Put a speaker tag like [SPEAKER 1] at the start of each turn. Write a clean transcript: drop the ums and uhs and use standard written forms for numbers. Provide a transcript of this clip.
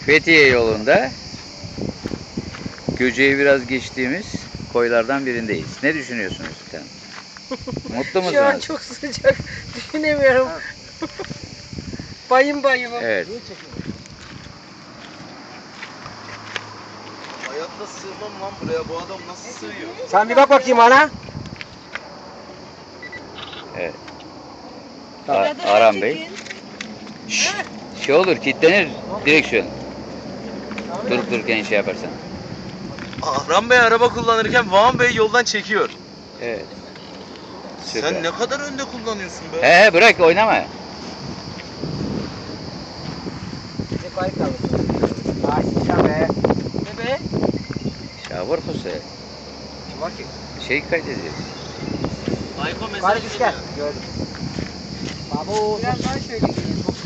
[SPEAKER 1] Fethiye yolunda Göce'yi biraz geçtiğimiz koylardan birindeyiz. Ne düşünüyorsunuz efendim? Mutlu musunuz?
[SPEAKER 2] Şu an çok sıcak. Düşünemiyorum. Bayım bayımım.
[SPEAKER 1] Evet.
[SPEAKER 3] Hayatta sığmam lan buraya. Bu adam nasıl sığıyor?
[SPEAKER 4] Sen bir bak bakayım ana.
[SPEAKER 1] Evet. Aram Bey. Şşş, şey olur, kilitlenir direksiyon. Durup dururken şey yaparsan.
[SPEAKER 3] Ahram Bey araba kullanırken Van Bey yoldan çekiyor.
[SPEAKER 1] Evet. Süper.
[SPEAKER 3] Sen ne kadar önde kullanıyorsun be?
[SPEAKER 1] He bırak oynama.
[SPEAKER 4] Ne kayıt kaldı. Açacağım be.
[SPEAKER 2] Ne be?
[SPEAKER 1] Şavur Hüseyin.
[SPEAKER 4] Kim var ki?
[SPEAKER 1] Şey kaydediyoruz.
[SPEAKER 3] Ayko mesaj
[SPEAKER 4] Kayıt gel. Gördüm. Babu.
[SPEAKER 2] Biraz daha şöyle gelin.